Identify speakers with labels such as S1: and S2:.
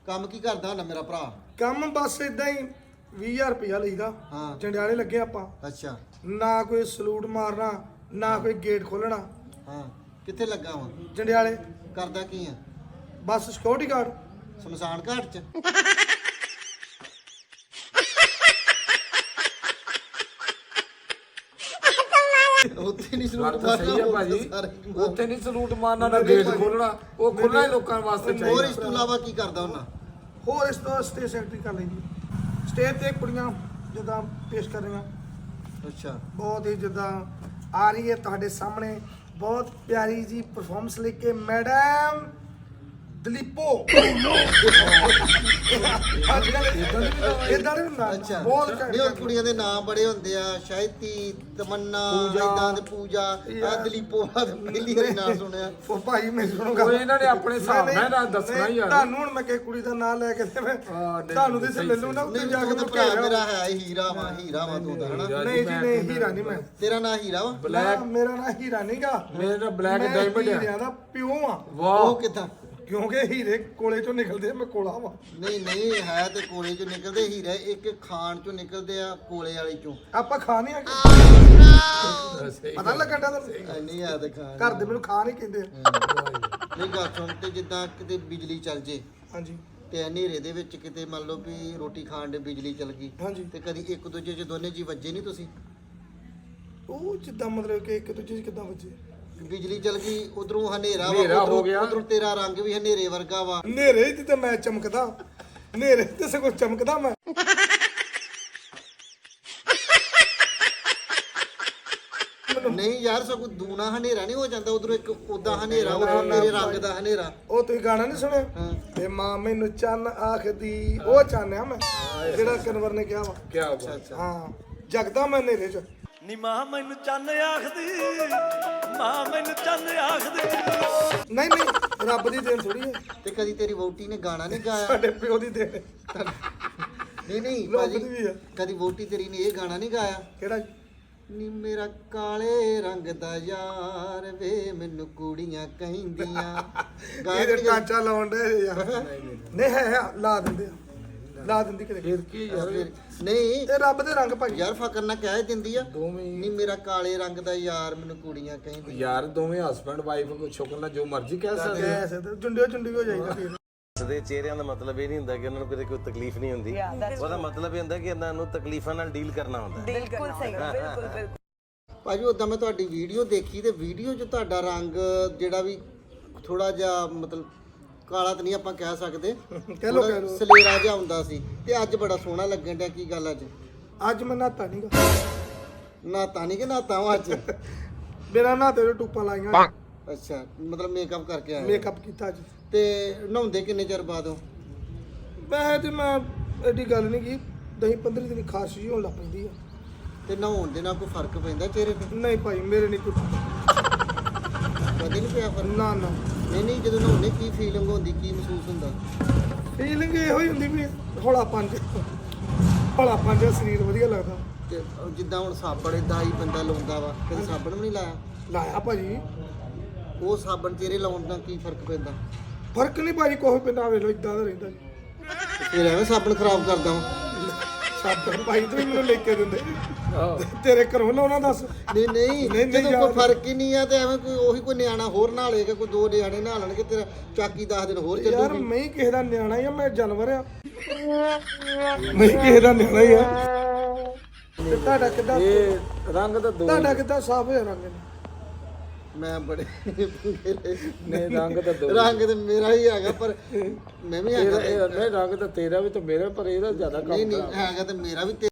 S1: ਕੰਮ ਕੀ ਕਰਦਾ ਹੁੰਦਾ ਮੇਰਾ ਭਰਾ?
S2: ਕੰਮ ਬਸ ਇਦਾਂ ਹੀ 20000 ਰੁਪਇਆ ਲਈਦਾ।
S1: ਹਾਂ।
S2: ਜੰਡਿਆਲੇ ਲੱਗੇ ਆਪਾਂ।
S1: ਅੱਛਾ।
S2: ਨਾ ਕੋਈ ਸਲੂਟ ਮਾਰਨਾ, ਨਾ ਕੋਈ ਗੇਟ ਖੋਲਣਾ।
S1: ਹਾਂ। ਕਿੱਥੇ ਲੱਗਾ ਵਾਂ?
S2: ਜੰਡਿਆਲੇ।
S1: ਕਰਦਾ ਕੀ ਆ?
S2: ਬਸ ਸਿਕਿਉਰਿਟੀ ਗਾਰਡ।
S1: ਸ਼ਮਸ਼ਾਨ ਘਾਟ ਚ? ਉੱਥੇ ਨਹੀਂ ਸਲੂਟ
S3: ਗੱਲ ਤਾਂ ਸਹੀ ਆ ਭਾਜੀ, ਉੱਥੇ ਨਹੀਂ ਸਲੂਟ ਮਾਰਨਾ ਨਾ ਗੇਟ ਖੋਲਣਾ, ਉਹ ਖੁੱਲ੍ਹਾ ਹੀ ਲੋਕਾਂ ਵਾਸਤੇ
S1: ਹੋਰ
S3: ਚਾਹੀਦਾ।
S1: ਇਸ ਤੋਂ ਇਲਾਵਾ ਕੀ ਕਰਦਾ ਹੁੰਦਾ?
S2: ਹੋਰ ਇਸ ਤੋਂ ਸਟੇਜ ਸੈਕਟਰੀ ਕਰ ਲੈਂਦੀ। ਸਟੇਜ ਤੇ ਕੁੜੀਆਂ ਜਿੱਦਾਂ ਪੇਸ਼ ਕਰ ਰਹੀਆਂ,
S1: ਅੱਛਾ।
S2: ਬਹੁਤ ਹੀ ਜਿੱਦਾਂ ਆ ਰਹੀ ਹੈ ਤੁਹਾਡੇ ਸਾਹਮਣੇ ਬਹੁਤ ਪਿਆਰੀ ਜੀ ਪਰਫਾਰਮੈਂਸ ਲੈ ਕੇ ਮੈਡਮ ਦਲੀਪੋ। ਇਦਾਂ ਨਹੀਂ ਹੁੰਦਾ।
S1: ਅੱਛਾ।
S2: ਬਹੁਤ
S1: ਨਹੀਂ ਉਹ ਕੁੜੀਆਂ ਦੇ ਨਾਮ ਬੜੇ ਹੁੰਦੇ ਆ, ਸ਼ਾਇਤੀ, ਤਮੰਨਾ, ਇਦਾਂ ਦੇ ਪੂਜਾ, ਆ ਦਲੀਪੋ ਆ ਪਹਿਲੀ ਵਾਰੀ ਨਾਮ ਸੁਣਿਆ।
S2: ਉਹ ਭਾਈ ਮੈਂ ਸੁਣੂਗਾ।
S3: ਉਹ ਇਹਨਾਂ ਨੇ ਆਪਣੇ ਹਿਸਾਬ ਨਾਲ ਦੱਸਣਾ ਹੀ ਆ।
S2: ਤੁਹਾਨੂੰ ਹੁਣ ਮੈਂ ਕਿਸੇ ਕੁੜੀ ਦਾ ਨਾਮ ਲੈ ਕੇ ਤੇ ਮੈਂ ਤੁਹਾਨੂੰ ਦੇ ਲੈ ਲੂ ਨਾ ਉੱਤੇ ਜਾ ਕੇ
S1: ਭਰਾ ਮੇਰਾ ਹੈ ਹੀਰਾ ਵਾ, ਹੀਰਾ ਵਾ ਤੂੰ ਤਾਂ ਹਨਾ?
S2: ਨਹੀਂ ਜੀ ਨਹੀਂ, ਹੀਰਾ ਨਹੀਂ ਮੈਂ।
S1: ਤੇਰਾ ਨਾਂ ਹੀਰਾ ਵਾ?
S3: ਬਲੈਕ,
S2: ਮੇਰਾ ਨਾਂ ਹੀਰਾ ਨਹੀਂਗਾ,
S3: ਮੇਰਾ ਬਲੈਕ ਡਾਇਮੰਡ
S2: ਹੀਰਿਆਂ
S3: ਆ।
S2: ਦਾ ਪਿਓ ਆ।
S3: ਵਾਹ,
S1: ਉਹ ਕਿੱਦਾਂ?
S2: ਕਿਉਂਕਿ ਹੀਰੇ ਕੋਲੇ ਚੋਂ ਨਿਕਲਦੇ ਆ, ਮੈਂ ਕੋਲਾ ਵਾ।
S1: ਨਹੀਂ ਨਹੀਂ, ਹੈ ਤੇ ਕੋਲੇ ਚੋਂ ਨਿਕਲਦੇ ਹੀਰੇ, ਇੱਕ ਖਾਣ ਚੋਂ ਨਿਕਲਦੇ ਆ ਕੋਲੇ ਵਾਲੀ ਚੋਂ।
S2: ਆਪਾਂ ਖਾ ਨਹੀਂ ਆ ਪਤਾ ਲੱਗਣ ਦਾ
S1: ਨਹੀਂ ਆ ਤੇ ਖਾਣ।
S2: ਘਰ ਦੇ ਮੈਨੂੰ ਖਾ ਨਹੀਂ ਕਹਿੰਦੇ।
S1: ਨਹੀਂ ਗੱਲ ਸੁਣ, ਤੇ ਜਿੱਦਾਂ ਕਿਤੇ ਬਿਜਲੀ ਚੱਲ ਜੇ
S2: ਹਾਂਜੀ
S1: ਤੇ ਹਨੇਰੇ ਦੇ ਵਿੱਚ ਕਿਤੇ ਮੰਨ ਲਓ ਵੀ ਰੋਟੀ ਖਾਣ ਦੇ ਬਿਜਲੀ ਚੱਲ ਗਈ
S2: ਹਾਂਜੀ।
S1: ਤੇ ਕਦੀ ਇੱਕ ਦੂਜੇ 'ਚ ਦੋਨੇ ਜੀ ਵੱਜੇ ਨਹੀਂ ਤੁਸੀਂ?
S2: ਉਹ ਜਿੱਦਾਂ ਮਤਲਬ ਕਿ ਇੱਕ ਦੂਜੇ 'ਚ ਕਿੱਦਾਂ ਵੱਜੇ?
S1: ਬਿਜਲੀ ਚੱਲ ਗਈ, ਉਧਰੋਂ ਹਨੇਰਾ
S3: ਹਨੇਰਾ ਹੋ ਗਿਆ।
S1: ਉਧਰੋਂ ਤੇਰਾ ਰੰਗ ਵੀ ਹਨੇਰੇ ਵਰਗਾ ਵਾ।
S2: ਹਨੇਰੇ 'ਚ ਤੇ ਮੈਂ ਚਮਕਦਾ, ਹਨੇਰੇ 'ਚ ਤੇ ਸਗੋਂ ਚਮਕਦਾ ਮੈਂ।
S1: ਨਹੀਂ ਯਾਰ, ਸਗੋਂ ਦੂਣਾ ਹਨੇਰਾ ਨਹੀਂ ਹੋ ਜਾਂਦਾ, ਉਧਰੋਂ ਇੱਕ ਉਦਾਂ ਹਨੇਰਾ, ਉਧਰੋਂ ਤੇਰੇ ਰੰਗ ਦਾ ਹਨੇਰਾ।
S2: ਉਹ ਤੁਸੀਂ ਗਾਣਾ ਨਹੀਂ ਸੁਣਿਆ?
S1: ਹਾਂ।
S2: ਤੇ ਮਾਂ ਮੈਨੂੰ ਚੰਨ ਆਖਦੀ, ਉਹ ਚੰਨ ਆ ਮੈਂ, ਜਿਹੜਾ ਕਨਵਰ ਨੇ ਕਿਹਾ ਵਾ।
S3: ਕੀ ਬਾਤ।
S2: ਹਾਂ, ਜਗਦਾ ਮੈਂ ਹਨੇਰੇ 'ਚ।
S4: ਨੀ ਮਾਂ ਮੈਨੂੰ ਚੰਨ ਆਖਦੀ, ਮਾਂ ਮੈਨੂੰ ਚੰਨ ਆਖਦੀ।
S2: ਨਹੀਂ ਨਹੀਂ, ਰੱਬ ਦੀ ਦੇਣ ਥੋੜੀ ਹੈ,
S1: ਤੇ ਕਦੀ ਤੇਰੀ ਵਹੁਟੀ ਨੇ ਗਾਣਾ ਨਹੀਂ ਗਾਇਆ?
S2: ਸਾਡੇ ਪਿਓ ਦੀ ਦੇਣ।
S1: ਨਹੀਂ ਨਹੀਂ
S2: ਲੋਕ
S1: ਭਾਜੀ,
S2: ਦੀ ਵੀ ਆ।
S1: ਕਦੀ ਵਹੁਟੀ ਤੇਰੀ ਨੇ ਇਹ ਗਾਣਾ ਨਹੀਂ ਗਾਇਆ?
S2: ਕਿਹੜਾ?
S1: ਨੀ ਮੇਰਾ ਕਾਲੇ ਰੰਗ ਦਾ ਯਾਰ ਵੇ ਮੈਨੂੰ ਕੁੜੀਆਂ ਕਹਿੰਦੀਆਂ। ਗਾਇਆ
S2: ਇਹਦੇ
S1: ਕਦੀ?
S2: ਟਾਂਚਾ ਲਾਉਣ ਦੇ ਯਾਰ। ਨਹੀਂ ਹੈ, ਲਾ ਦਿੰਦੇ ਆ, ਲਾ ਦਿੰਦੀ ਕਿਤੇ।
S3: ਫਿਰ ਕੀ ਯਾਰ,
S1: ਨਹੀਂ
S2: ਇਹ ਰੱਬ ਦੇ ਰੰਗ ਭਾਈ।
S1: ਯਾਰ ਫਕਰ ਨਾ ਕਹਿ ਦਿੰਦੀ ਆ।
S3: ਦੋਵੇਂ
S1: ਨੀ ਮੇਰਾ ਕਾਲੇ ਰੰਗ ਦਾ ਯਾਰ ਮੈਨੂੰ ਕੁੜੀਆਂ ਕਹਿੰਦੀਆਂ।
S3: ਯਾਰ ਦੋਵੇਂ ਹਸਬੰਡ ਵਾਈਫ ਕੋ ਛੋਕਰ ਨਾਲ ਜੋ ਮਰਜ਼ੀ ਕਹਿ ਸਕਦੇ ਆ।
S2: ਐਸੇ ਤੇ ਜੁੰਡਿਓ ਜੁੰਡੀ ਹੋ ਜਾਈਦਾ ਫਿਰ।
S5: ਦੇ ਚਿਹਰਿਆਂ ਦਾ ਮਤਲਬ ਇਹ ਨਹੀਂ ਹੁੰਦਾ ਕਿ ਉਹਨਾਂ ਨੂੰ ਕਿਤੇ ਕੋਈ ਤਕਲੀਫ ਨਹੀਂ ਹੁੰਦੀ। ਉਹਦਾ ਮਤਲਬ ਇਹ ਹੁੰਦਾ ਕਿ ਇਹਨਾਂ ਨੂੰ ਤਕਲੀਫਾਂ ਨਾਲ ਡੀਲ ਕਰਨਾ ਹੁੰਦਾ।
S6: ਬਿਲਕੁਲ ਸਹੀ, ਬਿਲਕੁਲ ਬਿਲਕੁਲ।
S1: ਭਾਜੀ ਉਦਾਂ ਮੈਂ ਤੁਹਾਡੀ ਵੀਡੀਓ ਦੇਖੀ ਤੇ ਵੀਡੀਓ 'ਚ ਤੁਹਾਡਾ ਰੰਗ ਜਿਹੜਾ ਵੀ ਥੋੜਾ ਜਿਹਾ ਮਤਲਬ ਕਾਲਾ ਤਾਂ ਨਹੀਂ ਆਪਾਂ ਕਹਿ ਸਕਦੇ,
S2: ਕਹਿ ਲੋ ਕਹਿ ਲੋ।
S1: ਸਲੇਰਾ ਜਿਹਾ ਹੁੰਦਾ ਸੀ, ਤੇ ਅੱਜ ਬੜਾ ਸੋਹਣਾ ਲੱਗਣ ਡਿਆ। ਕੀ ਗੱਲ ਅੱਜ?
S2: ਅੱਜ ਮੈਂ ਨਹਾਤਾ ਨਹੀਂਗਾ।
S1: ਨਹਾਤਾ ਨਹੀਂ ਕਿ ਨਹਾਤਾ ਵਾਂ ਅੱਜ?
S2: ਬਿਨਾਂ ਨਹਾਤੇ ਦੇ ਟੂਪਾਂ ਲਾਈਆਂ।
S1: ਅੱਛਾ, ਮਤਲਬ ਮੇਕਅਪ ਕਰਕੇ ਆਏ?
S2: ਮੇਕਅਪ ਕੀਤਾ ਅੱਜ।
S1: ਤੇ ਨਹਾਉਂਦੇ ਕਿੰਨੇ ਚਿਰ ਬਾਅਦ ਹੋ?
S2: ਮੈਂ ਐਡੀ ਗੱਲ ਨਹੀਂ ਕੀ, 10-15 ਦਿਨ ਖਾਰਸ਼ ਜਿਹੀ ਹੋਣ ਲੱਗ ਪੈਂਦੀ ਆ।
S1: ਤੇ ਨਹਾਉਣ ਦੇ ਨਾਲ ਕੋਈ ਫਰਕ ਪੈਂਦਾ ਚਿਹਰੇ ਤੇ?
S2: ਨਹੀਂ ਭਾਈ, ਮੇਰੇ ਨਹੀਂ ਕੋਈ।
S1: ਕਦੇ ਨਹੀਂ ਪਿਆ ਫਰਕ?
S2: ਨਾ ਨਾ,
S1: ਨਹੀਂ ਨਹੀਂ, ਜਦੋਂ ਨਹਾਉਂਦੇ ਕੀ ਫੀਲਿੰਗ ਹੁੰਦੀ, ਕੀ ਮਹਿਸੂਸ ਹੁੰਦਾ?
S2: ਫੀਲਿੰਗ ਇਹੋ ਹੀ ਹੁੰਦੀ ਵੀ ਹੌਲਾ ਪੰਜ ਸਰੀਰ ਵਧੀਆ ਲੱਗਦਾ।
S1: ਤੇ ਜਿੱਦਾਂ ਹੁਣ ਸਾਬਣ ਇਦਾਂ ਹੀ ਬੰਦਾ ਲਾਉਂਦਾ ਵਾ, ਕਦੇ ਸਾਬਣ ਵੀ ਨਹੀਂ ਲਾਇਆ?
S2: ਲਾਇਆ ਭਾਜੀ।
S1: ਉਹ ਸਾਬਣ ਚਿਹਰੇ ਲਾਉਣ ਨਾਲ ਕੀ ਫਰਕ ਪੈਂਦਾ?
S2: ਫਰਕ ਨਹੀਂ ਭਾਜੀ, ਕੋਈ ਪੈਂਦਾ ਵੇਲੋ ਇਦਾਂ ਦਾ ਰਹਿੰਦਾ ਜੀ।
S1: ਫਿਰ ਐਵੇਂ ਸਾਬਣ ਖਰਾਬ ਕਰਦਾ ਵਾਂ?
S2: ਸਾਬਣ ਭਾਈ ਤੂੰ ਮੈਨੂੰ ਲੈ ਕੇ ਦਿੰਦੇ ਤੇਰੇ ਘਰੋਂ ਲਾਉਣਾ ਦੱਸ।
S1: ਨਹੀਂ ਨਹੀਂ,
S2: ਨਹੀਂ
S1: ਜਦੋਂ
S2: ਯਾਰ।
S1: ਕੋਈ ਫਰਕ ਹੀ ਨਹੀਂ ਆ ਤੇ ਐਵੇਂ ਕੋਈ ਨਿਆਣਾ ਹੋਰ ਨਹਾ ਲਏਗਾ, ਕੋਈ ਦੋ ਨਿਆਣੇ ਨਹਾ ਲੈਣਗੇ, ਤੇਰਾ ਚਾਕੀ 10 ਦਿਨ ਹੋਰ
S2: ਯਾਰ
S1: ਚੱਲੂਗੀ।
S2: ਮੈਂ ਹੀ ਕਿਸੇ ਦਾ ਨਿਆਣਾ ਹੀ ਆ, ਮੈਂ ਜਾਨਵਰ ਆ। ਮੈਂ ਹੀ ਕਿਸੇ ਦਾ ਨਿਆਣਾ ਹੀ ਆ। ਤੇ ਤੁਹਾਡਾ ਕਿੱਦਾਂ,
S3: ਇਹ ਰੰਗ ਤਾਂ ਦੋ
S2: ਤੁਹਾਡਾ ਕਿੱਦਾਂ ਸਾਫ ਹੋਇਆ ਰੰਗ?
S1: ਮੈਂ ਬੜੇ
S3: ਨਹੀਂ, ਰੰਗ ਤਾਂ ਦੋ।
S1: ਰੰਗ ਤੇ ਮੇਰਾ ਹੀ ਹੈਗਾ, ਪਰ ਮੈਂ ਵੀ ਹੈਗਾ।
S3: ਨਹੀਂ, ਰੰਗ ਤਾਂ ਤੇਰਾ ਵੀ ਤੇ ਮੇਰਾ, ਪਰ ਇਹਦਾ ਜ਼ਿਆਦਾ
S1: ਨਹੀਂ
S3: ਕੰਮ
S1: ਨਹੀਂ, ਹੈਗਾ ਤੇ ਮੇਰਾ ਵੀ।